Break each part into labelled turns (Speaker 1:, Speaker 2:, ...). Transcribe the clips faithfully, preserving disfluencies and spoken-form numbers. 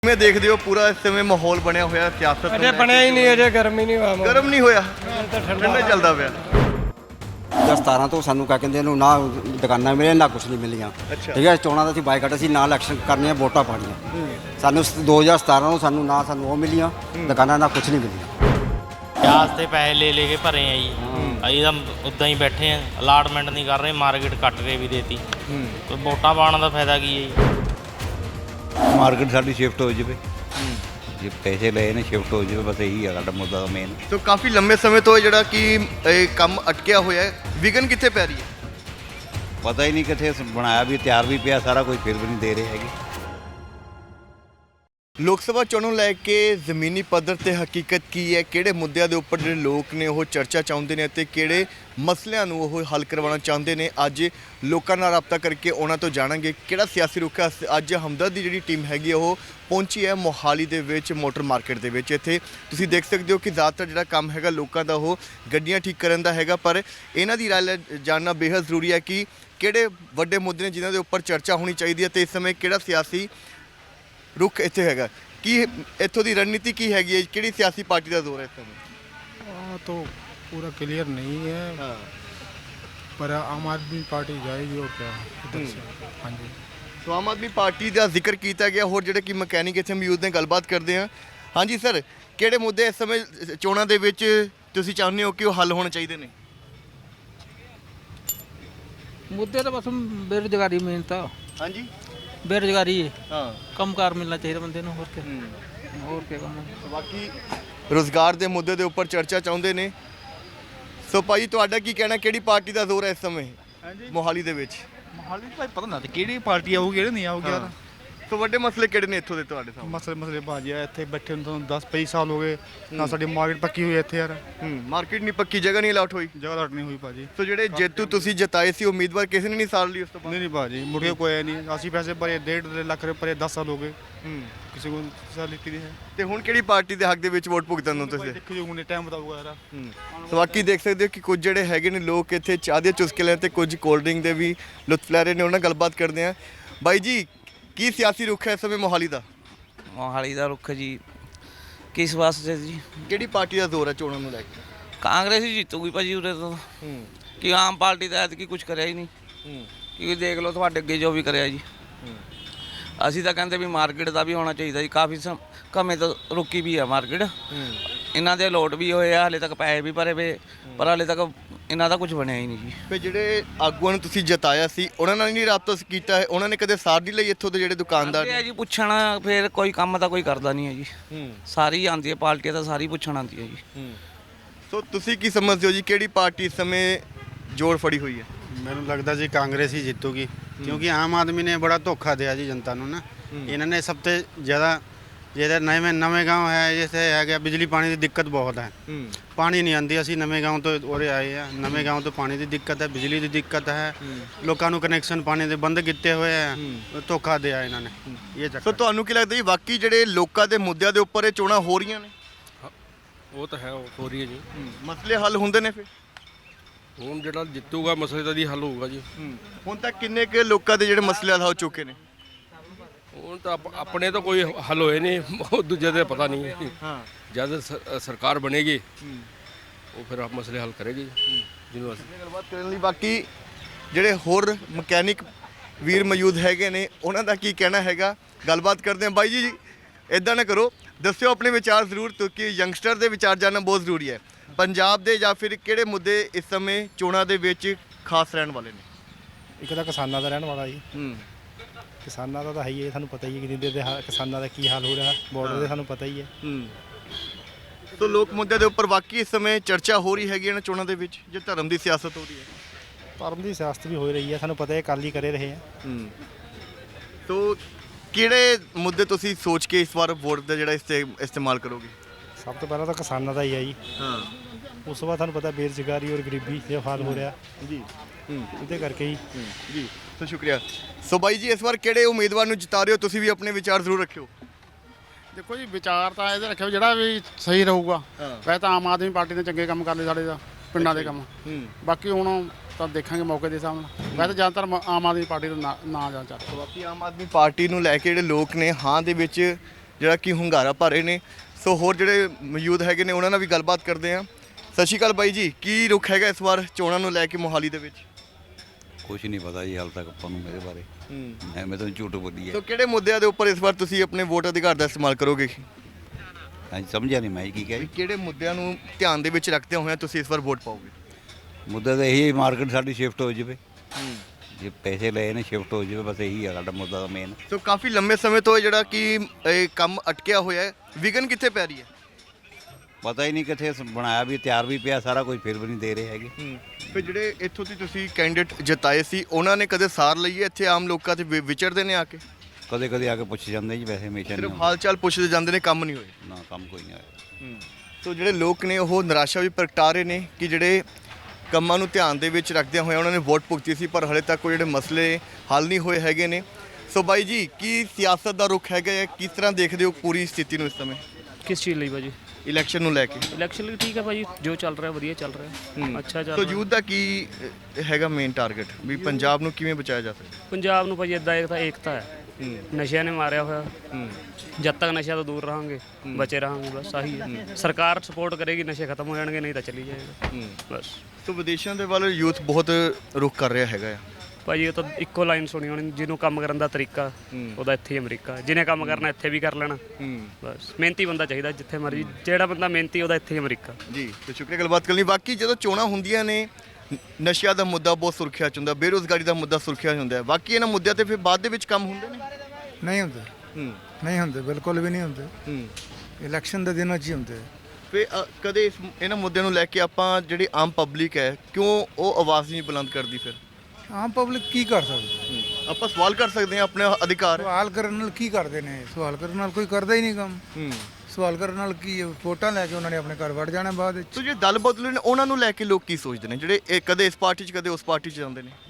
Speaker 1: ਕਿਵੇਂ ਦੇਖਦੇ ਹੋ ਪੂਰਾ ਇਸ ਸਮੇਂ ਮਾਹੌਲ ਬਣਿਆ ਹੋਇਆ ਸਿਆਸਤ ਨੂੰ?
Speaker 2: ਅਜੇ ਬਣਿਆ ਹੀ ਨਹੀਂ, ਅਜੇ ਗਰਮ ਹੀ ਨਹੀਂ ਹੋਇਆ ਮਾਹੌਲ।
Speaker 1: ਗਰਮ ਨਹੀਂ ਹੋਇਆ,
Speaker 2: ਤਾਂ
Speaker 1: ਠੰਡਾ ਹੀ ਚੱਲਦਾ ਪਿਆ।
Speaker 3: ਦਸ ਸਤਾਰਾਂ ਤੋਂ ਸਾਨੂੰ ਕਹ ਕਹਿੰਦੇ ਨੂੰ ਨਾ ਦੁਕਾਨਾਂ ਮਿਲੇ ਨਾ ਕੁਛ ਨਹੀਂ ਮਿਲੀਆਂ।
Speaker 1: ਅੱਛਾ।
Speaker 3: ਠੀਕ ਹੈ, ਚੋਣਾਂ ਦਾ ਅਸੀਂ ਬਾਈਕਾਟ ਅਸੀਂ ਨਾ ਇਲੈਕਸ਼ਨ ਕਰਨੀਆਂ, ਵੋਟਾਂ ਪਾਣੀਆਂ। ਸਾਨੂੰ ਦੋ ਹਜ਼ਾਰ ਸਤਾਰਾਂ ਨੂੰ ਸਾਨੂੰ ਨਾ ਸਾਨੂੰ ਉਹ ਮਿਲੀਆਂ ਦੁਕਾਨਾਂ, ਨਾ ਕੁਛ ਨਹੀਂ ਮਿਲੀਆਂ।
Speaker 4: ਪਿਆਜ਼ ਤੇ ਪੈਸੇ ਲੈ ਲੈ ਕੇ ਭਰੇ ਆ ਜੀ। ਅਸੀਂ ਤਾਂ ਉੱਦਾਂ ਹੀ ਬੈਠੇ ਆ, ਅਲਾਟਮੈਂਟ ਨਹੀਂ ਕਰ ਰਹੇ, ਮਾਰਕੀਟ ਕੱਟ ਕੇ ਵੀ ਦੇਤੀ। ਕੋਈ ਵੋਟਾਂ ਪਾਉਣ ਦਾ ਫਾਇਦਾ ਕੀ ਹੈ ਜੀ?
Speaker 5: ਮਾਰਕੀਟ ਸਾਡੀ ਸ਼ਿਫਟ ਹੋ ਜਾਵੇ, ਜੇ ਪੈਸੇ ਲਏ ਨੇ ਸ਼ਿਫਟ ਹੋ ਜਾਵੇ, ਬਸ ਇਹੀ ਹੈ ਸਾਡਾ ਮੁੱਦਾ ਮੇਨ।
Speaker 1: ਸੋ ਕਾਫੀ ਲੰਮੇ ਸਮੇਂ ਤੋਂ ਇਹ ਜਿਹੜਾ ਕਿ ਇਹ ਕੰਮ ਅਟਕਿਆ ਹੋਇਆ ਹੈ, ਵਿਗਨ ਕਿੱਥੇ ਪੈ ਰਹੀ ਹੈ?
Speaker 5: ਪਤਾ ਹੀ ਨਹੀਂ ਕਿੱਥੇ ਬਣਾਇਆ ਵੀ, ਤਿਆਰ ਵੀ ਪਿਆ ਸਾਰਾ ਕੁਝ, ਫਿਰ ਵੀ ਨਹੀਂ ਦੇ ਰਹੇ ਹੈਗੇ।
Speaker 1: ਲੋਕ ਸਭਾ ਚੋਣਾਂ ਨੂੰ ਲੈ ਕੇ ਜ਼ਮੀਨੀ ਪੱਧਰ ਤੇ ਹਕੀਕਤ ਕੀ ਹੈ, ਕਿਹੜੇ ਮੁੱਦਿਆਂ ਦੇ ਉੱਪਰ ਜਿਹੜੇ ਲੋਕ ਨੇ ਉਹ ਚਰਚਾ ਚਾਹੁੰਦੇ ਨੇ ਅਤੇ ਕਿਹੜੇ ਮਸਲਿਆਂ ਨੂੰ ਉਹ ਹੱਲ ਕਰਵਾਉਣਾ ਚਾਹੁੰਦੇ ਨੇ, ਅੱਜ ਲੋਕਾਂ ਨਾਲ ਰਾਬਤਾ ਕਰਕੇ ਉਹਨਾਂ ਤੋਂ ਜਾਣਾਂਗੇ ਕਿਹੜਾ ਸਿਆਸੀ ਰੁਖ ਹੈ। ਅੱਜ ਹਮਦਰਦ ਦੀ ਜਿਹੜੀ ਟੀਮ ਹੈਗੀ ਉਹ ਪਹੁੰਚੀ ਹੈ ਮੋਹਾਲੀ ਦੇ ਵਿੱਚ ਮੋਟਰ ਮਾਰਕੀਟ ਦੇ ਵਿੱਚ। ਇੱਥੇ ਤੁਸੀਂ ਦੇਖ ਸਕਦੇ ਹੋ ਕਿ ਜ਼ਿਆਦਾਤਰ ਜਿਹੜਾ ਕੰਮ ਹੈਗਾ ਲੋਕਾਂ ਦਾ ਉਹ ਗੱਡੀਆਂ ਠੀਕ ਕਰਨ ਦਾ ਹੈਗਾ, ਪਰ ਇਹਨਾਂ ਦੀ ਰਾਏ ਜਾਣਨਾ ਬੇਹੱਦ ਜ਼ਰੂਰੀ ਹੈ ਕਿ ਕਿਹੜੇ ਵੱਡੇ ਮੁੱਦੇ ਨੇ ਜਿਨ੍ਹਾਂ ਦੇ ਉੱਪਰ ਚਰਚਾ ਹੋਣੀ ਚਾਹੀਦੀ ਹੈ ਅਤੇ ਇਸ ਸਮੇਂ ਕਿਹੜਾ ਸਿਆਸੀ ਰੁਖ ਇੱਥੇ ਹੈਗਾ, ਕੀ ਇੱਥੋਂ ਦੀ ਰਣਨੀਤੀ ਕੀ ਹੈਗੀ ਹੈ, ਕਿਹੜੀ ਸਿਆਸੀ ਪਾਰਟੀ ਦਾ ਜ਼ੋਰ ਹੈ ਇਸ ਸਮੇਂ?
Speaker 6: तो पूरा क्लियर नहीं है,
Speaker 1: हाँ
Speaker 6: पर आम आदमी पार्टी जाएगी और क्या इधर से। हाँ जी,
Speaker 1: ਸੋ ਆਮ ਆਦਮੀ ਪਾਰਟੀ ਦਾ ਜ਼ਿਕਰ ਕੀਤਾ ਗਿਆ। ਹੋਰ ਜਿਹੜੇ ਕਿ ਮਕੈਨਿਕ ਇੱਥੇ ਮੌਜੂਦ ਨੇ, ਗੱਲਬਾਤ ਕਰਦੇ ਹਾਂ। ਹਾਂਜੀ ਸਰ, ਕਿਹੜੇ ਮੁੱਦੇ ਇਸ ਸਮੇਂ ਚੋਣਾਂ ਦੇ ਵਿੱਚ ਤੁਸੀਂ ਚਾਹੁੰਦੇ ਹੋ ਕਿ ਉਹ ਹੱਲ ਹੋਣੇ ਚਾਹੀਦੇ ਨੇ?
Speaker 7: ਮੁੱਦੇ ਤਾਂ ਬਸ ਬੇਰੁਜ਼ਗਾਰੀ ਮੇਨ ਤਾਂ
Speaker 1: ਹਾਂਜੀ
Speaker 7: ਬੇਰੁਜ਼ਗਾਰੀ ਹੈ,
Speaker 1: ਹਾਂ
Speaker 7: ਕੰਮਕਾਰ ਮਿਲਣਾ ਚਾਹੀਦਾ ਬੰਦੇ ਨੂੰ, ਹੋਰ ਕੀ ਹੋਰ ਕੀ ਕੰਮ।
Speaker 1: ਬਾਕੀ ਰੋਜ਼ਗਾਰ ਦੇ ਮੁੱਦੇ ਦੇ ਉੱਪਰ ਚਰਚਾ ਚਾਹੁੰਦੇ ਨੇ। ਸੋ ਭਾਈ ਤੁਹਾਡਾ ਕੀ ਕਹਿਣਾ, ਕਿਹੜੀ ਪਾਰਟੀ ਦਾ ਜ਼ੋਰ ਹੈ ਇਸ ਸਮੇਂ ਮੋਹਾਲੀ ਦੇ ਵਿੱਚ?
Speaker 8: ਹਾਲੇ ਭਾਈ ਪਤਾ ਨਾ ਕਿਹੜੀ ਪਾਰਟੀ ਆਊਗੀ ਕਿਹੜੀ ਨਹੀਂ ਆਊਗੀ ਯਾਰ।
Speaker 1: ਸੋ ਵੱਡੇ ਮਸਲੇ ਕਿਹੜੇ ਨੇ ਇੱਥੋਂ ਦੇ ਤੁਹਾਡੇ ਸਾਹਮਣੇ?
Speaker 8: ਮਸਲੇ ਮਸਲੇ ਭਾਜੀ ਆ, ਇੱਥੇ ਬੈਠੇ ਨੂੰ ਤੁਹਾਨੂੰ ਦਸ ਪੱਚੀ ਸਾਲ ਹੋ ਗਏ ਨਾ, ਸਾਡੀ ਮਾਰਕੀਟ ਪੱਕੀ ਹੋਈ ਹੈ ਇੱਥੇ ਯਾਰ,
Speaker 1: ਹੂੰ ਮਾਰਕੀਟ ਨਹੀਂ ਪੱਕੀ, ਜਗ੍ਹਾ ਨਹੀਂ ਅਲਾਟ ਹੋਈ।
Speaker 8: ਜਗ੍ਹਾ ਲਾਟ ਨਹੀਂ ਹੋਈ ਭਾਜੀ।
Speaker 1: ਸੋ ਜਿਹੜੇ ਜੇਤੂ ਤੁਸੀਂ ਜਿਤਾਏ ਸੀ ਉਮੀਦਵਾਰ ਕਿਸੇ ਨੇ ਨਹੀਂ ਸਾਰ ਲਈ ਉਸ ਤੋਂ ਬਾਅਦ?
Speaker 8: ਨਹੀਂ ਨਹੀਂ ਭਾਜੀ, ਮੁੜ ਕੇ ਕੋਈ ਆਇਆ ਨਹੀਂ। ਅਸੀਂ ਪੈਸੇ ਭਰੇ, ਡੇਢ ਲੱਖ ਰੁਪਏ ਭਰੇ, ਦਸ ਸਾਲ ਹੋ ਗਏ,
Speaker 1: ਹੂੰ
Speaker 8: ਕਿਸੇ ਕੋਲ ਸਾਲ ਲਿੱਤੀ ਨਹੀਂ ਹੈ।
Speaker 1: ਤੇ ਹੁਣ ਕਿਹੜੀ ਪਾਰਟੀ ਦੇ ਹੱਕ ਦੇ ਵਿੱਚ ਵੋਟ ਭੁਗਤਣ ਨੂੰ ਤੁਸੀਂ?
Speaker 8: ਦੇਖੋ ਜੀ ਹੁਣੇ ਟਾਈਮ ਬਤਾਊਗਾ ਯਾਰ।
Speaker 1: ਸੋ ਬਾਕੀ ਦੇਖ ਸਕਦੇ ਹੋ ਕਿ ਕੁਝ ਜਿਹੜੇ ਹੈਗੇ ਨੇ ਲੋਕ ਇੱਥੇ ਚਾਹ ਦੇ ਚੁਸਕੇ ਲੈਣ ਤੇ ਕੁਝ ਕੋਲਡ ਡਰਿੰਕ ਦੇ ਵੀ ਲੁਤਫ ਲੈ ਰਹੇ ਨੇ। ਉਹਨਾਂ ਨਾਲ ਗੱਲਬਾਤ ਕਰਦੇ ਹਾਂ। ਬਾਈ ਜੀ, ਕੀ ਸਿਆਸੀ ਰੁਖ ਹੈ ਇਸ ਸਮੇਂ ਮੋਹਾਲੀ ਦਾ?
Speaker 9: ਮੋਹਾਲੀ ਦਾ ਰੁੱਖ ਜੀ ਕਿਸ ਵਾਸਤੇ ਜੀ?
Speaker 1: ਕਿਹੜੀ ਪਾਰਟੀ ਦਾ ਜ਼ੋਰ ਹੈ ਚੋਣਾਂ ਨੂੰ ਲੈ ਕੇ?
Speaker 9: ਕਾਂਗਰਸ ਹੀ ਜਿੱਤੂਗੀ ਭਾਜੀ ਉਰੇ ਤੋਂ।
Speaker 1: ਹੂੰ
Speaker 9: ਕਿ ਆਮ ਪਾਰਟੀ ਦਾ ਐਤਕੀ ਕੁਝ ਕਰਿਆ ਹੀ ਨਹੀਂ।
Speaker 1: ਹੂੰ
Speaker 9: ਕਿਉਂਕਿ ਦੇਖ ਲਓ ਤੁਹਾਡੇ ਅੱਗੇ ਜੋ ਵੀ ਕਰਿਆ ਜੀ। ਅਸੀਂ ਤਾਂ ਕਹਿੰਦੇ ਵੀ ਮਾਰਕੀਟ ਦਾ ਵੀ ਹੋਣਾ ਚਾਹੀਦਾ ਜੀ, ਕਾਫੀ ਸਮ ਕਮੇ ਤੋਂ ਰੁਕੀ ਵੀ ਆ ਮਾਰਕੀਟ। ਇਹਨਾਂ ਦੇ ਲੋਟ ਵੀ ਹੋਏ ਆ, ਹਾਲੇ ਤੱਕ ਪੈਸੇ ਵੀ ਭਰੇ ਵੇ, ਪਰ ਹਾਲੇ ਤੱਕ ਇਹਨਾਂ ਦਾ ਕੁਝ ਬਣਿਆ ਹੀ ਨਹੀਂ ਜੀ।
Speaker 1: ਫਿਰ ਜਿਹੜੇ ਆਗੂਆਂ ਨੂੰ ਤੁਸੀਂ ਜਿਤਾਇਆ ਸੀ ਉਹਨਾਂ ਨਾਲ ਨਹੀਂ ਰਾਬਤਾ ਕੀਤਾ ਹੈ? ਉਹਨਾਂ ਨੇ ਕਦੇ ਸਾਰ ਨਹੀਂ ਲਈ ਇੱਥੋਂ ਦੇ ਜਿਹੜੇ ਦੁਕਾਨਦਾਰ
Speaker 9: ਆਉਂਦੇ ਆ
Speaker 1: ਨੇ?
Speaker 9: ਜੀ ਪੁੱਛਣ, ਫਿਰ ਕੋਈ ਕੰਮ ਤਾਂ ਕੋਈ ਕਰਦਾ ਨਹੀਂ ਹੈ ਜੀ।
Speaker 1: ਹੂੰ
Speaker 9: ਸਾਰੀ ਆਉਂਦੀ ਹੈ ਪਾਰਟੀਆਂ ਤਾਂ ਸਾਰੀ ਪੁੱਛਣ ਆਉਂਦੀ ਹੈ ਜੀ।
Speaker 1: ਹੂੰ ਸੋ ਤੁਸੀਂ ਕੀ ਸਮਝਦੇ ਹੋ ਜੀ, ਕਿਹੜੀ ਪਾਰਟੀ ਇਸ ਸਮੇਂ ਜੋਰ ਫੜੀ ਹੋਈ ਹੈ?
Speaker 6: ਮੈਨੂੰ ਲੱਗਦਾ ਜੀ ਕਾਂਗਰਸ ਹੀ ਜਿੱਤੂਗੀ, ਕਿਉਂਕਿ ਆਮ ਆਦਮੀ ਨੇ ਬੜਾ ਧੋਖਾ ਦਿਆ ਜੀ ਜਨਤਾ ਨੂੰ ਨਾ। ਇਹਨਾਂ ਨੇ ਸਭ ਤੋਂ ਜ਼ਿਆਦਾ ਜਿਹੜਾ ਨਵੇਂ ਨਵੇਂ ਗਾँव ਹੈ, ਜਿੱਥੇ ਹੈਗਾ ਬਿਜਲੀ ਪਾਣੀ ਦੀ ਦਿੱਕਤ ਬਹੁਤ ਹੈ, ਪਾਣੀ ਨਹੀਂ ਆਉਂਦੀ। ਅਸੀਂ ਨਵੇਂ ਗਾँव ਤੋਂ ਉਰੇ ਆਏ ਆ, ਨਵੇਂ ਗਾँव ਤੋਂ ਪਾਣੀ ਦੀ ਦਿੱਕਤ ਹੈ, ਬਿਜਲੀ ਦੀ ਦਿੱਕਤ ਹੈ, ਲੋਕਾਂ ਨੂੰ ਕਨੈਕਸ਼ਨ ਪਾਣੀ ਦੇ ਬੰਦ ਕੀਤੇ ਹੋਏ ਆ, ਧੋਖਾ ਦਿਆ ਇਹਨਾਂ ਨੇ। ਇਹ
Speaker 1: ਸੋ
Speaker 6: ਚੱਕਰ
Speaker 1: ਤੁਹਾਨੂੰ ਕੀ ਲੱਗਦਾ ਜੀ, ਵਾਕਈ ਜਿਹੜੇ ਲੋਕਾਂ ਦੇ ਮੁੱਦਿਆਂ ਦੇ ਉੱਪਰ ਇਹ ਚੋਣਾਂ ਹੋ ਰਹੀਆਂ ਨੇ?
Speaker 2: ਉਹ ਤਾਂ ਹੈ, ਹੋ ਰਹੀ ਹੈ ਜੀ।
Speaker 1: ਮਸਲੇ ਹੱਲ ਹੁੰਦੇ ਨੇ ਫਿਰ?
Speaker 2: ਹੁਣ ਜਿਹੜਾ ਜਿੱਤੂਗਾ ਮਸਲੇ ਦਾ ਜੀ ਹੱਲ ਹੋਊਗਾ ਜੀ।
Speaker 1: ਹੁਣ ਤੱਕ ਕਿੰਨੇ ਕੁ ਲੋਕਾਂ ਦੇ ਜਿਹੜੇ ਮਸਲੇ ਹੱਲ ਹੋ ਚੁੱਕੇ ਨੇ?
Speaker 2: ਹੁਣ ਤਾਂ ਆਪ- ਆਪਣੇ ਤਾਂ ਕੋਈ ਹੱਲ ਹੋਏ ਨਹੀਂ, ਉਹ ਦੂਜੇ ਦੇ ਪਤਾ ਨਹੀਂ।
Speaker 1: ਹਾਂ
Speaker 2: ਜਦ ਸ- ਸਰਕਾਰ ਬਣੇਗੀ ਉਹ ਫਿਰ ਆਪ ਮਸਲੇ ਹੱਲ ਕਰੇਗੀ ਜਿਹਨੂੰ ਅਸੀਂ।
Speaker 1: ਗੱਲਬਾਤ ਕਰਨ ਲਈ ਬਾਕੀ ਜਿਹੜੇ ਹੋਰ ਮਕੈਨਿਕ ਵੀਰ ਮੌਜੂਦ ਹੈਗੇ ਨੇ, ਉਹਨਾਂ ਦਾ ਕੀ ਕਹਿਣਾ ਹੈਗਾ, ਗੱਲਬਾਤ ਕਰਦੇ ਹਾਂ। ਬਾਈ ਜੀ, ਇਦਾਂ ਨਾ ਕਰੋ, ਦੱਸਿਓ ਆਪਣੇ ਵਿਚਾਰ ਜ਼ਰੂਰ, ਕਿਉਂਕਿ ਯੰਗਸਟਰ ਦੇ ਵਿਚਾਰ ਜਾਣਨਾ ਬਹੁਤ ਜ਼ਰੂਰੀ ਹੈ। ਪੰਜਾਬ ਦੇ ਜਾਂ ਫਿਰ ਕਿਹੜੇ ਮੁੱਦੇ ਇਸ ਸਮੇਂ ਚੋਣਾਂ ਦੇ ਵਿੱਚ ਖਾਸ ਰਹਿਣ ਵਾਲੇ ਨੇ?
Speaker 6: ਇੱਕ ਤਾਂ ਕਿਸਾਨਾਂ ਦਾ ਰਹਿਣ ਵਾਲਾ ਜੀ,
Speaker 1: ਹੂੰ
Speaker 6: ਕਿਸਾਨਾਂ ਦਾ ਤਾਂ ਹੈ ਹੀ ਹੈ, ਸਾਨੂੰ ਪਤਾ ਹੀ ਹੈ ਕਿ ਦਿਨ ਦੇ ਹਾਲ ਕਿਸਾਨਾਂ ਦਾ ਕੀ ਹਾਲ ਹੋ ਰਿਹਾ, ਬਾਰਡਰ ਦੇ ਸਾਨੂੰ ਪਤਾ ਹੀ ਹੈ।
Speaker 1: ਹੂੰ ਸੋ ਲੋਕ ਮੁੱਦਿਆਂ ਦੇ ਉੱਪਰ ਵਾਕਈ ਇਸ ਸਮੇਂ ਚਰਚਾ ਹੋ ਰਹੀ ਹੈਗੀ ਇਹਨਾਂ ਚੋਣਾਂ ਦੇ ਵਿੱਚ, ਜੇ ਧਰਮ ਦੀ ਸਿਆਸਤ ਹੋ ਰਹੀ ਹੈ?
Speaker 6: ਧਰਮ ਦੀ ਸਿਆਸਤ ਵੀ ਹੋ ਰਹੀ ਹੈ, ਸਾਨੂੰ ਪਤਾ ਹੈ ਕਾਲੀ ਕਰੇ ਰਹੇ ਆ।
Speaker 1: ਹੂੰ ਸੋ ਕਿਹੜੇ ਮੁੱਦੇ ਤੁਸੀਂ ਸੋਚ ਕੇ ਇਸ ਵਾਰ ਵੋਟ ਦਾ ਜਿਹੜਾ ਇਸਤੇ ਇਸਤੇਮਾਲ ਕਰੋਗੇ?
Speaker 6: ਸਭ ਤੋਂ ਪਹਿਲਾਂ ਤਾਂ ਕਿਸਾਨਾਂ ਦਾ ਹੀ ਹੈ ਜੀ,
Speaker 1: ਹਾਂ
Speaker 6: ਉਸ ਤੋਂ ਬਾਅਦ ਤੁਹਾਨੂੰ ਪਤਾ ਬੇਰੁਜ਼ਗਾਰੀ ਔਰ ਗਰੀਬੀ ਜੋ ਹਾਲ ਹੋ ਰਿਹਾ,
Speaker 1: ਜੀ ਹੂੰ
Speaker 6: ਉਹਦੇ ਕਰਕੇ ਹੀ।
Speaker 1: ਜੀ ਸੋ ਸ਼ੁਕਰੀਆ। ਸੋ ਬਾਈ ਜੀ, ਇਸ ਵਾਰ ਕਿਹੜੇ ਉਮੀਦਵਾਰ ਨੂੰ ਜਿਤਾ ਰਹੇ ਹੋ? ਤੁਸੀਂ ਵੀ ਆਪਣੇ ਵਿਚਾਰ ਜ਼ਰੂਰ ਰੱਖਿਓ।
Speaker 8: ਦੇਖੋ ਜੀ, ਵਿਚਾਰ ਤਾਂ ਇਹਦੇ ਰੱਖਿਓ ਜਿਹੜਾ ਵੀ ਸਹੀ ਰਹੂਗਾ।
Speaker 1: ਹਾਂ।
Speaker 8: ਵੈਸੇ ਤਾਂ ਆਮ ਆਦਮੀ ਪਾਰਟੀ ਨੇ ਚੰਗੇ ਕੰਮ ਕਰ ਲਏ ਸਾਡੇ ਦਾ, ਪਿੰਡਾਂ ਦੇ ਕੰਮ।
Speaker 1: ਹੂੰ
Speaker 8: ਬਾਕੀ ਹੁਣ ਤਾਂ ਦੇਖਾਂਗੇ ਮੌਕੇ ਦੇ ਹਿਸਾਬ ਨਾਲ। ਵੈਸੇ ਜ਼ਿਆਦਾਤਰ ਮ- ਆਮ ਆਦਮੀ ਪਾਰਟੀ ਦਾ ਨਾ ਨਾ ਜਾ ਚੱਲ।
Speaker 1: ਬਾਕੀ ਆਮ ਆਦਮੀ ਪਾਰਟੀ ਨੂੰ ਲੈ ਕੇ ਜਿਹੜੇ ਲੋਕ ਨੇ ਹਾਂ ਦੇ ਵਿੱਚ ਜਿਹੜਾ ਕਿ ਹੁੰਗਾਰਾ ਭਰ ਰਹੇ ਨੇ। ਸੋ ਹੋਰ ਜਿਹੜੇ ਮੌਜੂਦ ਹੈਗੇ ਨੇ ਉਹਨਾਂ ਨਾਲ ਵੀ ਗੱਲਬਾਤ ਕਰਦੇ ਹਾਂ। ਸਤਿ ਸ਼੍ਰੀ ਅਕਾਲ ਬਾਈ ਜੀ, ਕੀ ਰੁਖ ਹੈਗਾ ਇਸ ਵਾਰ ਚੋਣਾਂ ਨੂੰ ਲੈ ਕੇ ਮੋਹਾਲੀ ਦੇ ਵਿੱਚ?
Speaker 5: ਕੁਛ ਨਹੀਂ ਪਤਾ ਜੀ ਹਾਲ ਤੱਕ ਆਪਾਂ ਨੂੰ ਮੇਰੇ ਬਾਰੇ। ਮੈਂ ਮੈਂ ਤਾਂ ਝੂਠ ਬੋਲੀ ਹੈ।
Speaker 1: ਸੋ ਕਿਹੜੇ ਮੁੱਦਿਆਂ ਦੇ ਉੱਪਰ ਇਸ ਵਾਰ ਤੁਸੀਂ ਆਪਣੇ ਵੋਟ ਅਧਿਕਾਰ ਦਾ ਇਸਤੇਮਾਲ ਕਰੋਗੇ?
Speaker 5: ਹਾਂਜੀ ਸਮਝਿਆ ਨਹੀਂ ਮੈਂ ਜੀ ਕੀ ਕਹਿ
Speaker 1: ਵੀ
Speaker 5: ਰਹੀ।
Speaker 1: ਕਿਹੜੇ ਮੁੱਦਿਆਂ ਨੂੰ ਧਿਆਨ ਦੇ ਵਿੱਚ ਰੱਖਦੇ ਹੋਏ ਤੁਸੀਂ ਇਸ ਵਾਰ ਵੋਟ ਪਾਓਗੇ?
Speaker 5: ਮੁੱਦਾ ਤਾਂ ਇਹੀ ਮਾਰਕੀਟ ਸਾਡੀ ਸ਼ਿਫਟ ਹੋ ਜਾਵੇ। ਜੇ ਪੈਸੇ ਲਏ ਨੇ ਸ਼ਿਫਟ ਹੋ ਜਾਵੇ, ਬਸ ਇਹੀ ਹੈ ਸਾਡਾ ਮੁੱਦਾ ਦਾ ਮੇਨ।
Speaker 1: ਸੋ ਕਾਫੀ ਲੰਮੇ ਸਮੇਂ ਤੋਂ ਇਹ ਜਿਹੜਾ ਕਿ ਇਹ ਕੰਮ ਅਟਕਿਆ ਹੋਇਆ ਹੈ, ਵਿਗਨ ਕਿੱਥੇ ਪੈ ਰਹੀ ਹੈ?
Speaker 5: ਪਤਾ ਹੀ ਨਹੀਂ ਕਿੱਥੇ ਬਣਾਇਆ ਵੀ ਤਿਆਰ ਵੀ ਪਿਆ ਸਾਰਾ ਕੁਝ, ਫਿਰ ਵੀ ਨਹੀਂ ਦੇ ਰਹੇ ਹੈਗੇ।
Speaker 1: ਫਿਰ ਜਿਹੜੇ ਇੱਥੋਂ ਦੀ ਤੁਸੀਂ ਕੈਂਡੀਡੇਟ ਜਿਤਾਏ ਸੀ ਉਹਨਾਂ ਨੇ ਕਦੇ ਸਾਰ ਲਈ ਹੈ ਇੱਥੇ ਆਮ ਲੋਕਾਂ ਤੇ ਵਿ- ਵਿਚਰਦੇ ਨੇ ਆ ਕੇ?
Speaker 5: ਕਦੇ ਕਦੇ ਆ ਕੇ ਪੁੱਛ ਜਾਂਦੇ ਜੀ, ਵੈਸੇ ਹਮੇਸ਼ਾ
Speaker 1: ਸਿਰਫ
Speaker 5: ਨਹੀਂ
Speaker 1: ਹਾਲ ਚਾਲ ਪੁੱਛਦੇ ਜਾਂਦੇ ਨੇ, ਕੰਮ ਨਹੀਂ ਹੋਏ।
Speaker 5: ਨਾ ਕੰਮ ਕੋਈ ਨਹੀਂ ਹੋਇਆ।
Speaker 1: ਸੋ ਜਿਹੜੇ ਲੋਕ ਨੇ ਉਹ ਨਿਰਾਸ਼ਾ ਵੀ ਪ੍ਰਗਟਾ ਰਹੇ ਨੇ ਕਿ ਜਿਹੜੇ ਕੰਮਾਂ ਨੂੰ ਧਿਆਨ ਦੇ ਵਿੱਚ ਰੱਖਦਿਆਂ ਹੋਇਆ ਉਹਨਾਂ ਨੇ ਵੋਟ ਭੁਗਤੀ ਸੀ, ਪਰ ਹਲੇ ਤੱਕ ਉਹ ਜਿਹੜੇ ਮਸਲੇ ਹੱਲ ਨਹੀਂ ਹੋਏ ਹੈਗੇ ਨੇ। ਸੋ ਬਾਈ ਜੀ, ਕੀ ਸਿਆਸਤ ਦਾ ਰੁਖ ਹੈਗਾ ਹੈ? ਕਿਸ ਤਰ੍ਹਾਂ ਦੇਖਦੇ ਹੋ ਪੂਰੀ ਸਥਿਤੀ ਨੂੰ ਇਸ ਸਮੇਂ
Speaker 7: ਕਿਸ ਚੀਜ਼ ਲਈ ਭਾਜੀ?
Speaker 1: ਇਲੈਕਸ਼ਨ ਨੂੰ ਲੈ ਕੇ?
Speaker 7: ਇਲੈਕਸ਼ਨ ਲਈ ਠੀਕ ਹੈ ਭਾਜੀ, ਜੋ ਚੱਲ ਰਿਹਾ ਵਧੀਆ ਚੱਲ ਰਿਹਾ, ਅੱਛਾ ਚੱਲ
Speaker 1: ਸੋ
Speaker 7: ਰਿਹਾ।
Speaker 1: ਯੂਥ ਦਾ ਕੀ ਅ, ਹੈਗਾ ਮੇਨ ਟਾਰਗੇਟ ਵੀ ਪੰਜਾਬ ਨੂੰ ਕਿਵੇਂ ਬਚਾਇਆ ਜਾ ਸਕਦਾ?
Speaker 7: ਪੰਜਾਬ ਨੂੰ ਭਾਜੀ ਇਦਾਂ ਏਕਤਾ ਏਕਤਾ ਹੈ, ਨਸ਼ਿਆਂ ਨੇ ਮਾਰਿਆ ਹੋਇਆ। ਜਦ ਤੱਕ ਨਸ਼ਿਆਂ ਤੋਂ ਦੂਰ ਰਹਾਂਗੇ ਬਚੇ ਰਹਾਂਗੇ, ਬਸ ਆਹੀ ਹੈ। ਸਰਕਾਰ ਸਪੋਰਟ ਕਰੇਗੀ, ਨਸ਼ੇ ਖਤਮ ਹੋ ਜਾਣਗੇ, ਨਹੀਂ ਤਾਂ ਚੱਲੀ ਜਾਏਗਾ ਬਸ।
Speaker 1: ਸੋ ਵਿਦੇਸ਼ਾਂ ਦੇ ਵੱਲ ਯੂਥ ਬਹੁਤ ਰੁਖ ਕਰ ਰਿਹਾ ਹੈਗਾ ਆ।
Speaker 7: ਭਾਜੀ ਇਹ ਤਾਂ ਇੱਕੋ ਲਾਈਨ ਸੁਣੀ ਹੋਣੀ, ਜਿਹਨੂੰ ਕੰਮ ਕਰਨ ਦਾ ਤਰੀਕਾ ਉਹਦਾ ਇੱਥੇ ਹੀ ਅਮਰੀਕਾ, ਜਿਹਨੇ ਕੰਮ ਕਰਨਾ ਇੱਥੇ ਵੀ ਕਰ ਲੈਣਾ ਬਸ। ਮਿਹਨਤੀ ਬੰਦਾ ਚਾਹੀਦਾ ਜਿੱਥੇ ਮਰਜੀ, ਜਿਹੜਾ ਬੰਦਾ ਮਿਹਨਤੀ ਉਹਦਾ ਇੱਥੇ ਹੀ ਅਮਰੀਕਾ।
Speaker 1: ਜੀ ਤੇ ਸ਼ੁਕਰੀਆ ਗੱਲਬਾਤ ਕਰਨ ਲਈ। ਬਾਕੀ ਜਦੋਂ ਚੋਣਾਂ ਹੁੰਦੀਆਂ ਨੇ ਨਸ਼ਿਆਂ ਦਾ ਮੁੱਦਾ ਬਹੁਤ ਸੁਰੱਖਿਆ 'ਚ ਹੁੰਦਾ, ਬੇਰੁਜ਼ਗਾਰੀ ਦਾ ਮੁੱਦਾ ਸੁਰੱਖਿਆ 'ਚ ਹੁੰਦਾ। ਬਾਕੀ ਇਹਨਾਂ ਮੁੱਦਿਆਂ ਤੇ ਫਿਰ ਬਾਅਦ ਦੇ ਵਿੱਚ ਕੰਮ ਹੁੰਦੇ ਨੇ?
Speaker 8: ਨਹੀਂ ਹੁੰਦੇ, ਨਹੀਂ ਹੁੰਦੇ, ਬਿਲਕੁਲ ਵੀ ਨਹੀਂ ਹੁੰਦੇ। ਇਲੈਕਸ਼ਨ ਦੇ ਦਿਨਾਂ 'ਚ ਹੀ ਹੁੰਦੇ।
Speaker 1: ਫਿਰ ਅ, ਕਦੇ ਇਸ ਇਹਨਾਂ ਮੁੱਦਿਆਂ ਨੂੰ ਲੈ ਕੇ ਆਪਾਂ ਜਿਹੜੀ ਆਮ ਪਬਲਿਕ ਹੈ ਕਿਉਂ ਉਹ ਆਵਾਜ਼ ਨਹੀਂ ਬੁਲੰਦ ਕਰਦੀ? ਫਿਰ
Speaker 8: ਆਮ ਪਬਲਿਕ ਕੀ ਕਰ ਸਕਦੀ?
Speaker 1: ਆਪਾਂ ਸਵਾਲ ਕਰ ਸਕਦੇ ਹਾਂ, ਆਪਣੇ ਅਧਿਕਾਰ।
Speaker 8: ਸਵਾਲ ਕਰਨ ਨਾਲ ਕੀ ਕਰਦੇ ਨੇ? ਸਵਾਲ ਕਰਨ ਨਾਲ ਕੋਈ ਕਰਦਾ ਹੀ ਨਹੀਂ ਕੰਮ। ਸਵਾਲ ਕਰਨ ਨਾਲ ਕੀ ਹੈ? ਵੋਟਾਂ ਲੈ ਕੇ ਉਹਨਾਂ ਨੇ ਆਪਣੇ ਘਰ ਵੜ ਜਾਣਾ ਬਾਅਦ ਵਿੱਚ।
Speaker 1: ਸੋ ਜੇ ਦਲ ਬਦਲੇ ਨੇ ਉਹਨਾਂ ਨੂੰ ਲੈ ਕੇ ਲੋਕ ਕੀ ਸੋਚਦੇ ਨੇ, ਜਿਹੜੇ ਇਹ ਕਦੇ ਇਸ ਪਾਰਟੀ 'ਚ ਕਦੇ ਉਸ ਪਾਰਟੀ 'ਚ ਜਾਂਦੇ ਨੇ?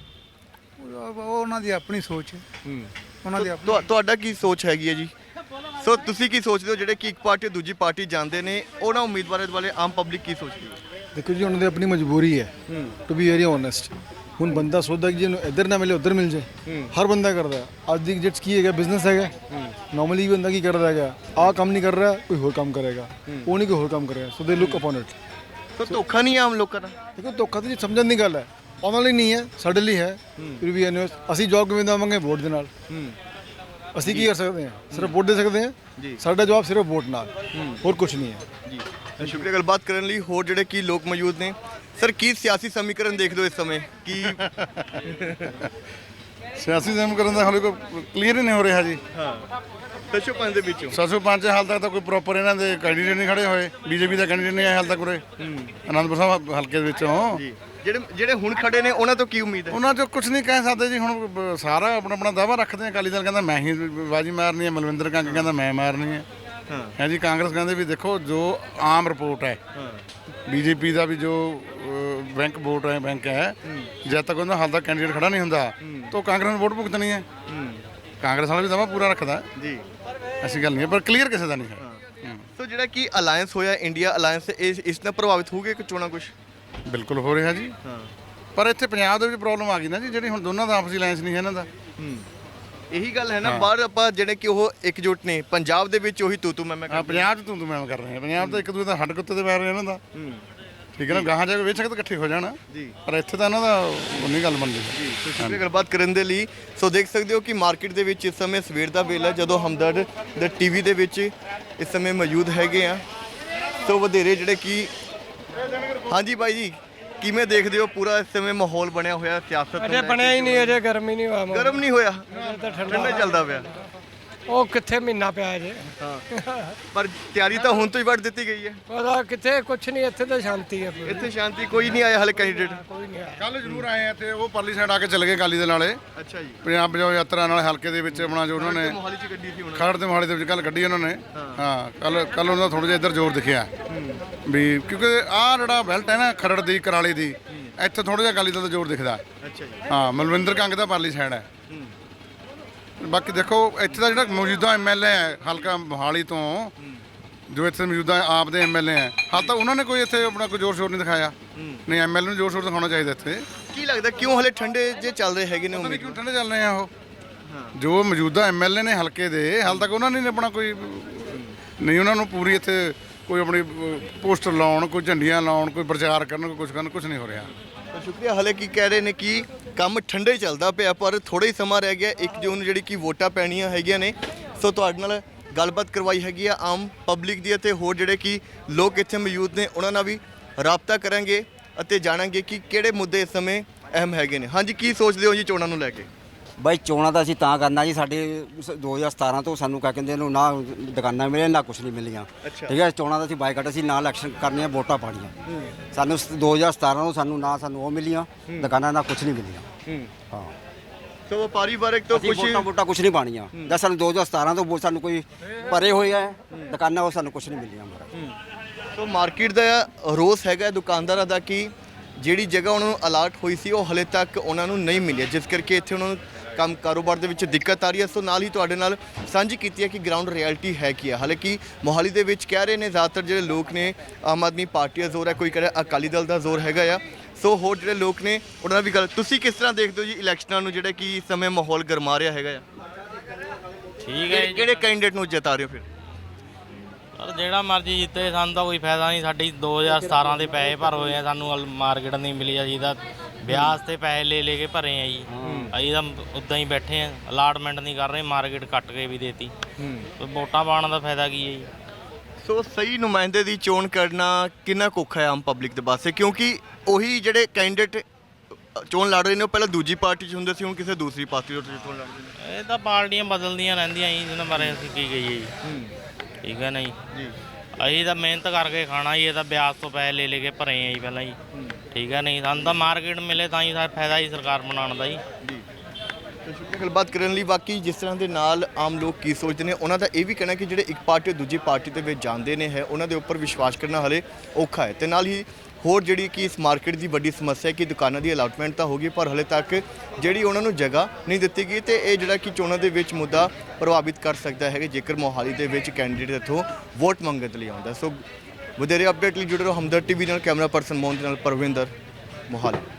Speaker 8: ਉਹ ਉਹ ਉਹਨਾਂ ਦੀ ਆਪਣੀ ਸੋਚ ਹੈ। ਉਹਨਾਂ ਦੀ ਆਪਣੀ
Speaker 1: ਤੁਹਾ- ਤੁਹਾਡਾ ਕੀ ਸੋਚ ਹੈਗੀ ਹੈ ਜੀ? ਸੋ ਤੁਸੀਂ ਕੀ ਸੋਚਦੇ ਹੋ ਜਿਹੜੇ ਕਿ ਇੱਕ ਪਾਰਟੀ ਤੋਂ ਦੂਜੀ ਪਾਰਟੀ ਜਾਂਦੇ ਨੇ, ਉਹਨਾਂ ਉਮੀਦਵਾਰਾਂ ਬਾਰੇ ਆਮ ਪਬਲਿਕ ਕੀ ਸੋਚਦੀ ਹੈ?
Speaker 8: ਦੇਖੋ ਜੀ, ਉਹਨਾਂ ਦੀ ਆਪਣੀ ਮਜਬੂਰੀ ਹੈ, ਟੂ ਬੀ ਵੈਰੀ ਓਨੈਸਟ। ਹੁਣ ਬੰਦਾ ਸੋਚਦਾ ਕਿ ਜਿਹਨੂੰ ਇੱਧਰ ਨਾ ਮਿਲੇ ਉੱਧਰ ਮਿਲ ਜਾਏ, ਹਰ ਬੰਦਾ ਕਰਦਾ। ਅੱਜ ਦੀ ਜਿਟਸ ਕੀ ਹੈਗਾ, ਬਿਜ਼ਨਸ ਹੈਗਾ। ਨਾਰਮਲੀ ਬੰਦਾ ਕੀ ਕਰਦਾ ਹੈਗਾ, ਆਹ ਕੰਮ ਨਹੀਂ ਕਰ ਰਿਹਾ ਕੋਈ ਹੋਰ ਕੰਮ ਕਰੇਗਾ, ਉਹ ਨਹੀਂ ਕੋਈ ਹੋਰ ਕੰਮ ਕਰੇਗਾ। ਸੋ ਦੇ ਲੁੱਕ ਅਪਨ ਇਟ।
Speaker 1: ਸੋ ਧੋਖਾ ਨਹੀਂ ਹੈ ਆਮ ਲੋਕਾਂ ਦਾ?
Speaker 8: ਦੇਖੋ ਧੋਖਾ ਤਾਂ ਜੀ ਸਮਝਣ ਦੀ ਗੱਲ ਹੈ, ਉਹਨਾਂ ਲਈ ਨਹੀਂ ਹੈ, ਸਾਡੇ ਲਈ ਹੈ। ਫਿਰ ਵੀ ਅਸੀਂ ਜਵਾਬ ਕਿਵੇਂ ਦੇਵਾਂਗੇ? ਵੋਟ ਦੇ ਨਾਲ। ਅਸੀਂ ਕੀ ਕਰ ਸਕਦੇ ਹਾਂ? ਸਿਰਫ ਵੋਟ ਦੇ ਸਕਦੇ ਹਾਂ। ਸਾਡਾ ਜਵਾਬ ਸਿਰਫ ਵੋਟ ਨਾਲ, ਹੋਰ ਕੁਝ ਨਹੀਂ ਹੈ
Speaker 1: ਜੀ। ਸ਼ੁਕਰੀਆ ਗੱਲਬਾਤ ਕਰਨ ਲਈ। ਹੋਰ ਜਿਹੜੇ ਕੀ ਲੋਕ ਮੌਜੂਦ ਨੇ, ਸਰ ਕੀ ਸਿਆਸੀ ਸਮੀਕਰਨ ਦੇਖਦੇ ਹੋ ਇਸ ਸਮੇਂ? ਕੀ
Speaker 6: ਸਿਆਸੀ ਸਮੀਕਰਨ ਦਾ ਹਾਲੇ ਕੋਈ ਕਲੀਅਰ ਹੀ ਨਹੀਂ ਹੋ ਰਿਹਾ ਜੀ।
Speaker 1: ਹਾਂ ਦਸ਼ੋ ਪੰਜ ਦੇ ਵਿੱਚੋਂ
Speaker 6: ਸੱਤ ਸੌ ਪੰਜ ਹਾਲ ਤੱਕ ਤਾਂ ਕੋਈ ਪ੍ਰੋਪਰ ਇਹਨਾਂ ਦੇ ਕੈਂਡੀਡੇਟ ਨਹੀਂ ਖੜੇ ਹੋਏ। ਬੀਜੇਪੀ ਦਾ ਕੈਂਡੀਡੇਟ ਨਹੀਂ ਆਇਆ ਹਾਲ ਤੱਕ ਉਰੇ ਅਨੰਦਪੁਰ ਸਾਹਿਬ ਹਲਕੇ ਦੇ ਵਿੱਚੋਂ।
Speaker 1: ਜੀ ਜਿਹੜੇ ਜਿਹੜੇ ਹੁਣ ਖੜੇ ਨੇ ਉਹਨਾਂ ਤੋਂ ਕੀ ਉਮੀਦ ਹੈ?
Speaker 6: ਉਹਨਾਂ 'ਚੋਂ ਕੁਝ ਨਹੀਂ ਕਹਿ ਸਕਦੇ ਜੀ। ਹੁਣ ਬ- ਸਾਰਾ ਆਪਣਾ ਆਪਣਾ ਦਾਅਵਾ ਰੱਖਦੇ ਆ। ਅਕਾਲੀ ਦਲ ਕਹਿੰਦਾ ਮੈਂ ਹੀ ਬਾਜੀ ਮਾਰਨੀ ਹੈ, ਮਲਵਿੰਦਰ ਕੰਗ ਕਹਿੰਦਾ ਮੈਂ ਮਾਰਨੀ ਹੈ। ਹੈ ਜੀ ਕਾਂਗਰਸ ਕਹਿੰਦੇ ਵੀ ਦੇਖੋ ਜੋ ਆਮ ਰਿਪੋਰਟ ਹੈ, ਬੀਜੇਪੀ ਦਾ ਵੀ ਜੋ ਅ, ਬੈਂਕ ਵੋਟ ਹੈ ਬੈਂਕ ਹੈ, ਜਦ ਤੱਕ ਉਹਨਾਂ ਹਾਲ ਤੱਕ ਕੈਂਡੀਡੇਟ ਖੜਾ ਨਹੀਂ ਹੁੰਦਾ ਤਾਂ ਕਾਂਗਰਸ ਨੂੰ ਵੋਟ ਭੁਗਤਣੀ ਹੈ। ਕਾਂਗਰਸ ਵਾਲਾ ਵੀ ਦਾਅਵਾ ਪੂਰਾ ਰੱਖਦਾ
Speaker 1: ਜੀ,
Speaker 6: ਐਸੀ ਗੱਲ ਨਹੀਂ ਹੈ, ਪਰ ਕਲੀਅਰ ਕਿਸੇ ਦਾ ਨਹੀਂ ਹੈ।
Speaker 1: ਸੋ ਜਿਹੜਾ ਕੀ ਅਲਾਈਅੰਸ ਹੋਇਆ ਇੰਡੀਆ ਅਲਾਈਅੰਸ, ਇਸ ਇਸ ਨਾਲ ਪ੍ਰਭਾਵਿਤ ਹੋਊਗੇ ਕਿ ਚੋਣਾਂ ਕੁਝ?
Speaker 6: ਬਿਲਕੁਲ ਹੋ ਰਿਹਾ ਜੀ। ਪਰ ਇੱਥੇ ਪੰਜਾਬ ਦੇ ਵਿੱਚ ਪ੍ਰੋਬਲਮ ਆ ਗਈ ਨਾ ਜੀ, ਜਿਹੜੀ ਹੁਣ ਦੋਨਾਂ ਦਾ ਆਪਸੀ ਅਲਾਈਅੰਸ ਨਹੀਂ ਹੈ ਇਹਨਾਂ ਦਾ।
Speaker 1: ਇਹੀ ਗੱਲ ਹੈ ਨਾ, ਬਾਹਰ ਆਪਾਂ ਜਿਹੜੇ ਕਿ ਉਹ ਇਕਜੁੱਟ ਨੇ, ਪੰਜਾਬ ਦੇ ਵਿੱਚ ਉਹੀ ਤੂੰ ਤੂੰ ਮੈਂ ਮੈਂ
Speaker 6: ਹਾਂ, ਪੰਜਾਬ 'ਚ ਤੂੰ ਤੂੰ ਮੈਂ ਕਰ ਰਹੇ ਹਾਂ। ਪੰਜਾਬ ਤਾਂ ਇੱਕ ਦੂਜੇ ਦਾ ਹੱਡ ਕੁੱਤੇ ਤੇ ਪੈਰ ਰਿਹਾ ਇਹਨਾਂ ਦਾ। ਠੀਕ ਹੈ ਨਾ, ਗਾਹਾਂ ਜਾ ਕੇ ਵੇਚ ਸਕਦੇ ਇਕੱਠੇ ਹੋ ਜਾਣਾ, ਪਰ ਇੱਥੇ ਤਾਂ ਇਹਨਾਂ ਦਾ ਉਨੀ ਗੱਲ ਬਣਦੀ ਹੈ।
Speaker 1: ਸ਼ੁਕਰੀਆ ਗੱਲਬਾਤ ਕਰਨ ਦੇ ਲਈ। ਸੋ ਦੇਖ ਸਕਦੇ ਹੋ ਕਿ ਮਾਰਕੀਟ ਦੇ ਵਿੱਚ ਇਸ ਸਮੇਂ ਸਵੇਰ ਦਾ ਵੇਲਾ, ਜਦੋਂ ਹਮਦਰਦ ਦੇ ਟੀਵੀ ਦੇ ਵਿੱਚ ਇਸ ਸਮੇਂ ਮੌਜੂਦ ਹੈਗੇ ਆ। ਸੋ ਵਧੇਰੇ ਜਿਹੜੇ ਕਿ ਹਾਂਜੀ ਬਾਈ ਜੀ, ਕਿਵੇਂ ਦੇਖਦੇ ਹੋ ਪੂਰਾ ਇਸ ਸਮੇਂ ਮਾਹੌਲ ਬਣਿਆ ਹੋਇਆ ਸਿਆਸਤ ਨੂੰ?
Speaker 10: ਅਜੇ ਬਣਿਆ ਹੀ ਨਹੀਂ, ਅਜੇ ਗਰਮ ਹੀ ਨਹੀਂ ਹੋਇਆ।
Speaker 1: ਗਰਮ ਨਹੀਂ ਹੋਇਆ,
Speaker 10: ਤਾਂ
Speaker 1: ਠੰਡਾ ਚੱਲਦਾ ਪਿਆ।
Speaker 10: ਉਹ ਕਿੱਥੇ ਮਹੀਨਾ ਪਿਆ ਅਜੇ।
Speaker 1: ਪਰ ਤਿਆਰੀ ਤਾਂ ਹੁਣ ਤੋਂ ਹੀ ਵੱਢ ਦਿੱਤੀ ਗਈ ਹੈ।
Speaker 10: ਪਤਾ ਕਿੱਥੇ ਕੁਛ ਨਹੀਂ, ਇੱਥੇ ਤਾਂ ਸ਼ਾਂਤੀ ਹੈ।
Speaker 1: ਇੱਥੇ ਸ਼ਾਂਤੀ, ਕੋਈ ਨਹੀਂ ਆਇਆ ਹਲੇ ਕੈਂਡੀਡੇਟ?
Speaker 10: ਕੋਈ ਨਹੀਂ ਆਇਆ।
Speaker 6: ਕੱਲ ਜ਼ਰੂਰ ਆਏ ਆ ਇੱਥੇ, ਉਹ ਪਰਲੀ ਸਾਈਡ ਆ ਕੇ ਚਲੇ ਗਏ ਅਕਾਲੀ ਦੇ ਨਾਲੇ।
Speaker 1: ਅੱਛਾ ਜੀ।
Speaker 6: ਪੰਜਾਬ ਬਚਾਓ ਯਾਤਰਾ ਨਾਲ ਹਲਕੇ ਦੇ ਵਿੱਚ ਆਪਣਾ ਜੋ ਉਹਨਾਂ ਨੇ
Speaker 1: ਮੋਹਾਲੀ ਚ ਗੱਡੀ ਸੀ ਹੁਣ।
Speaker 6: ਖਰੜ ਤੇ ਮੋਹਾਲੀ ਦੇ ਵਿੱਚ ਕੱਲ ਕੱਢੀ ਉਹਨਾਂ ਨੇ। ਹਾਂ ਕੱਲ ਕੱਲ ਉਹਨਾਂ ਦਾ ਥੋੜਾ ਜਿਹਾ ਇੱਧਰ ਜ਼ੋਰ ਦਿਖਿਆ ਵੀ, ਕਿਉਂਕਿ ਆਹ ਜਿਹੜਾ ਬੈਲਟ ਹੈ ਨਾ ਖਰੜ ਦੀ ਕਰਾਲੀ ਦੀ, ਇੱਥੇ ਥੋੜਾ ਜਿਹਾ ਅਕਾਲੀ ਦਲ ਦਾ ਜ਼ੋਰ ਦਿਖਦਾ।
Speaker 1: ਅੱਛਾ ਜੀ।
Speaker 6: ਹਾਂ ਮਲਵਿੰਦਰ ਕੰਗ ਦਾ ਪਰਲੀ ਸਾਈਡ ਹੈ। ਬਾਕੀ ਦੇਖੋ ਇੱਥੇ ਦਾ ਜਿਹੜਾ ਮੌਜੂਦਾ ਐਮਐਲਏ ਹੈ ਹਲਕਾ ਮੋਹਾਲੀ ਤੋਂ, ਜੋ ਇੱਥੇ ਮੌਜੂਦਾ ਆਪ ਦੇ ਐਮਐਲਏ ਹੈ, ਹਾਲ ਤੱਕ ਉਹਨਾਂ ਨੇ ਕੋਈ ਇੱਥੇ ਆਪਣਾ ਕੋਈ ਜ਼ੋਰ ਸ਼ੋਰ ਨਹੀਂ ਦਿਖਾਇਆ। ਨਹੀਂ, ਐਮਐਲਏ ਨੂੰ ਜ਼ੋਰ ਸ਼ੋਰ ਦਿਖਾਉਣਾ ਚਾਹੀਦਾ ਇੱਥੇ।
Speaker 1: ਕੀ ਲੱਗਦਾ ਕਿਉਂ ਹਲੇ ਠੰਡੇ ਜੇ ਚੱਲ ਰਹੇ ਹੈਗੇ ਨੇ
Speaker 6: ਪਤਾ ਨਹੀਂ
Speaker 1: ਉਮੀਦ?
Speaker 6: ਕਿਉਂ ਠੰਡੇ ਚੱਲ ਰਹੇ ਆ ਉਹ। ਜੋ ਮੌਜੂਦਾ ਐਮਐਲਏ ਨੇ ਹਲਕੇ ਦੇ, ਹਾਲ ਤੱਕ ਉਹਨਾਂ ਨੇ ਆਪਣਾ ਕੋਈ
Speaker 11: ਨਹੀਂ ਉਹਨਾਂ ਨੂੰ ਪੂਰੀ ਇੱਥੇ ਕੋਈ ਆਪਣੀ ਪੋਸਟਰ ਲਾਉਣ, ਕੋਈ ਝੰਡੀਆਂ ਲਾਉਣ, ਕੋਈ ਪ੍ਰਚਾਰ ਕਰਨ, ਕੋਈ ਕੁਝ ਕਰਨ, ਕੁਝ ਨਹੀਂ ਹੋ ਰਿਹਾ।
Speaker 1: ਤਾਂ ਸ਼ੁਕਰੀਆ। ਹਾਲੇ ਕੀ ਕਹਿ ਰਹੇ ਨੇ ਕਿ ਕੰਮ ਠੰਡੇ ਚੱਲਦਾ ਪਿਆ, ਪਰ ਥੋੜਾ ਹੀ ਸਮਾਂ ਰਹਿ ਗਿਆ। ਇੱਕ ਜੂਨ ਨੂੰ ਜਿਹੜੀ ਕਿ ਵੋਟਾਂ ਪੈਣੀਆਂ ਹੈਗੀਆਂ ਨੇ। ਸੋ ਤੁਹਾਡੇ ਨਾਲ ਗੱਲਬਾਤ ਕਰਵਾਈ ਹੈਗੀ ਆ ਆਮ ਪਬਲਿਕ ਦੀ ਅਤੇ ਹੋਰ ਜਿਹੜੇ ਕਿ ਲੋਕ ਇੱਥੇ ਮੌਜੂਦ ਨੇ ਉਹਨਾਂ ਨਾਲ ਵੀ ਰਾਬਤਾ ਕਰਾਂਗੇ ਅਤੇ ਜਾਣਾਂਗੇ ਕਿ ਕਿਹੜੇ ਮੁੱਦੇ ਇਸ ਸਮੇਂ ਅਹਿਮ ਹੈਗੇ ਨੇ। ਹਾਂਜੀ, ਕੀ ਸੋਚਦੇ ਹੋ ਜੀ ਚੋਣਾਂ ਨੂੰ ਲੈ ਕੇ?
Speaker 3: ਬਾਈ ਚੋਣਾਂ ਤਾਂ ਅਸੀਂ ਤਾਂ ਕਰਨਾ ਜੀ, ਸਾਡੇ ਦੋ ਹਜ਼ਾਰ ਸਤਾਰਾਂ ਤੋਂ ਸਾਨੂੰ ਕਹ ਕਹਿੰਦੇ ਨੂੰ ਨਾ ਦੁਕਾਨਾਂ ਮਿਲੇ ਨਾ ਕੁਛ ਨਹੀਂ ਮਿਲੀਆਂ। ਠੀਕ ਹੈ, ਚੋਣਾਂ ਦਾ ਅਸੀਂ ਬਾਈਕਾਟ, ਅਸੀਂ ਨਾ ਇਲੈਕਸ਼ਨ ਕਰਨੀਆਂ, ਵੋਟਾਂ ਪਾਣੀਆਂ। ਸਾਨੂੰ ਦੋ ਹਜ਼ਾਰ ਸਤਾਰਾਂ ਤੋਂ ਸਾਨੂੰ ਨਾ ਸਾਨੂੰ ਉਹ ਮਿਲੀਆਂ ਦੁਕਾਨਾਂ, ਨਾ ਕੁਛ ਨਹੀਂ ਮਿਲੀਆਂ। ਹਾਂ,
Speaker 1: ਸੋ ਵਪਾਰੀ ਵਰਗ ਤੋਂ ਕੁਝ
Speaker 3: ਵੋਟਾਂ ਵੋਟਾਂ ਕੁਛ ਨਹੀਂ ਪਾਣੀਆਂ। ਜਦ ਸਾਨੂੰ ਦੋ ਹਜ਼ਾਰ ਸਤਾਰਾਂ ਤੋਂ ਸਾਨੂੰ ਕੋਈ ਭਰੇ ਹੋਏ ਆ ਦੁਕਾਨਾਂ, ਉਹ ਸਾਨੂੰ ਕੁਛ ਨਹੀਂ ਮਿਲੀਆਂ।
Speaker 1: ਸੋ ਮਾਰਕੀਟ ਦਾ ਰੋਸ ਹੈਗਾ ਦੁਕਾਨਦਾਰਾਂ ਦਾ ਕਿ ਜਿਹੜੀ ਜਗ੍ਹਾ ਉਹਨਾਂ ਨੂੰ ਅਲਾਟ ਹੋਈ ਸੀ ਉਹ ਹਲੇ ਤੱਕ ਉਹਨਾਂ ਨੂੰ ਨਹੀਂ ਮਿਲੀ, ਜਿਸ ਕਰਕੇ ਇੱਥੇ ਉਹਨਾਂ ਨੂੰ ਕੰਮ ਕਾਰੋਬਾਰ ਦੇ ਵਿੱਚ ਦਿੱਕਤ ਆ ਰਹੀ ਹੈ। ਸੋ ਨਾਲ ਹੀ ਤੁਹਾਡੇ ਨਾਲ ਸਾਂਝੀ ਕੀਤੀ ਹੈ ਕਿ ਗਰਾਊਂਡ ਰਿਐਲਿਟੀ ਹੈ ਕੀ ਹੈ। ਹਾਲਾਂਕਿ ਮੋਹਾਲੀ ਦੇ ਵਿੱਚ ਕਹਿ ਰਹੇ ਨੇ ਜ਼ਿਆਦਾਤਰ ਜਿਹੜੇ ਲੋਕ ਨੇ ਆਮ ਆਦਮੀ ਪਾਰਟੀ ਦਾ ਜ਼ੋਰ ਹੈ, ਕੋਈ ਕਹੇ ਅਕਾਲੀ ਦਲ ਦਾ ਜ਼ੋਰ ਹੈਗਾ ਆ। ਸੋ ਹੋਰ ਜਿਹੜੇ ਲੋਕ ਨੇ ਉਹਨਾਂ ਨਾਲ ਵੀ ਗੱਲ, ਤੁਸੀਂ ਕਿਸ ਤਰ੍ਹਾਂ ਦੇਖਦੇ ਹੋ ਜੀ ਇਲੈਕਸ਼ਨਾਂ ਨੂੰ, ਜਿਹੜਾ ਕਿ ਇਸ ਸਮੇਂ ਮਾਹੌਲ ਗਰਮਾ ਰਿਹਾ ਹੈਗਾ ਆ?
Speaker 4: ਠੀਕ ਹੈ ਜੀ।
Speaker 1: ਕਿਹੜੇ ਕੈਂਡੀਡੇਟ ਨੂੰ ਜਿਤਾ ਰਹੇ ਹੋ ਫਿਰ?
Speaker 4: ਪਰ ਜਿਹੜਾ ਮਰਜ਼ੀ ਜਿੱਤੇ ਸਾਨੂੰ ਤਾਂ ਕੋਈ ਫਾਇਦਾ ਨਹੀਂ। ਸਾਡੀ ਦੋ ਹਜ਼ਾਰ ਸਤਾਰਾਂ ਦੇ ਪੈਸੇ ਭਰ ਹੋਏ ਆ, ਸਾਨੂੰ ਮਾਰਕੀਟ ਨਹੀਂ ਮਿਲੀ। ਅਸੀਂ ਤਾਂ ਵਿਆਜ ਤੇ ਪੈਸੇ ਲੈ ਲੈ ਕੇ ਭਰੇ ਆ ਜੀ। ਅਸੀਂ ਤਾਂ ਉੱਦਾਂ ਹੀ ਬੈਠੇ ਆ, ਅਲਾਟਮੈਂਟ ਨਹੀਂ ਕਰ ਰਹੇ, ਮਾਰਕੀਟ ਕੱਟ ਕੇ ਵੀ ਦੇਤੀ। ਵੋਟਾਂ ਪਾਉਣ ਦਾ ਫਾਇਦਾ ਕੀ ਹੈ ਜੀ?
Speaker 1: ਸੋ ਸਹੀ ਨੁਮਾਇੰਦੇ ਦੀ ਚੋਣ ਕਰਨਾ ਕਿੰਨਾ ਕੁ ਔਖਾ ਹੈ ਆਮ ਪਬਲਿਕ ਦੇ ਵਾਸਤੇ, ਕਿਉਂਕਿ ਉਹੀ ਜਿਹੜੇ ਕੈਂਡੀਡੇਟ ਚੋਣ ਲੜ ਰਹੇ ਨੇ ਉਹ ਪਹਿਲਾਂ ਦੂਜੀ ਪਾਰਟੀ 'ਚ ਹੁੰਦੇ ਸੀ, ਹੁਣ ਕਿਸੇ ਦੂਸਰੀ ਪਾਰਟੀ ਤੋਂ ਚੋਣ ਲੜ ਰਹੇ ਨੇ।
Speaker 4: ਇਹ ਤਾਂ ਪਾਰਟੀਆਂ ਬਦਲਦੀਆਂ ਰਹਿੰਦੀਆਂ ਜੀ, ਜਿਹਨਾਂ ਬਾਰੇ ਅਸੀਂ ਕੀ ਕਹੀਏ ਜੀ। ਠੀਕ ਹੈ ਨਾ ਜੀ? ਅਸੀਂ ਤਾਂ ਮਿਹਨਤ ਕਰਕੇ ਖਾਣਾ ਜੀ, ਇਹ ਤਾਂ ਵਿਆਜ ਤੋਂ ਪੈਸੇ ਲੈ ਲੈ ਕੇ ਭਰੇ ਆ ਜੀ ਪਹਿਲਾਂ ਜੀ। ਠੀਕ ਹੈ ਨਹੀਂ, ਸਾਨੂੰ ਤਾਂ ਮਾਰਕੀਟ ਮਿਲੇ ਤਾਂ ਹੀ ਫਾਇਦਾ ਜੀ ਸਰਕਾਰ ਬਣਾਉਣ ਦਾ ਜੀ।
Speaker 1: ਤਾਂ ਸ਼ੁਕਰੀਆ ਗੱਲਬਾਤ ਕਰਨ ਲਈ। ਬਾਕੀ ਜਿਸ ਤਰ੍ਹਾਂ ਦੇ ਨਾਲ ਆਮ ਲੋਕ ਕੀ ਸੋਚਦੇ ਨੇ, ਉਹਨਾਂ ਦਾ ਇਹ ਵੀ ਕਹਿਣਾ ਕਿ ਜਿਹੜੇ ਇੱਕ ਪਾਰਟੀ ਦੂਜੀ ਪਾਰਟੀ ਦੇ ਵਿੱਚ ਜਾਂਦੇ ਨੇ ਹੈ ਉਹਨਾਂ ਦੇ ਉੱਪਰ ਵਿਸ਼ਵਾਸ ਕਰਨਾ ਹਲੇ ਔਖਾ ਹੈ। ਅਤੇ ਨਾਲ ਹੀ ਹੋਰ ਜਿਹੜੀ ਕਿ ਇਸ ਮਾਰਕੀਟ ਦੀ ਵੱਡੀ ਸਮੱਸਿਆ ਹੈ ਕਿ ਦੁਕਾਨਾਂ ਦੀ ਅਲਾਟਮੈਂਟ ਤਾਂ ਹੋ ਗਈ, ਪਰ ਹਲੇ ਤੱਕ ਜਿਹੜੀ ਉਹਨਾਂ ਨੂੰ ਜਗ੍ਹਾ ਨਹੀਂ ਦਿੱਤੀ ਗਈ। ਅਤੇ ਇਹ ਜਿਹੜਾ ਕਿ ਚੋਣਾਂ ਦੇ ਵਿੱਚ ਮੁੱਦਾ ਪ੍ਰਭਾਵਿਤ ਕਰ ਸਕਦਾ ਹੈ ਜੇਕਰ ਮੋਹਾਲੀ ਦੇ ਵਿੱਚ ਕੈਂਡੀਡੇਟ ਇੱਥੋਂ ਵੋਟ ਮੰਗਣ ਲਈ ਆਉਂਦਾ। ਸੋ ਵਧੇਰੇ ਅਪਡੇਟ ਲਈ ਜੁੜੇ ਰਹੋ ਹਮਦਰ ਟੀਵੀ ਨਾਲ। ਕੈਮਰਾ ਪਰਸਨ ਮੋਹਨ ਦੇ ਨਾਲ ਪਰਵਿੰਦਰ, ਮੋਹਾਲੀ।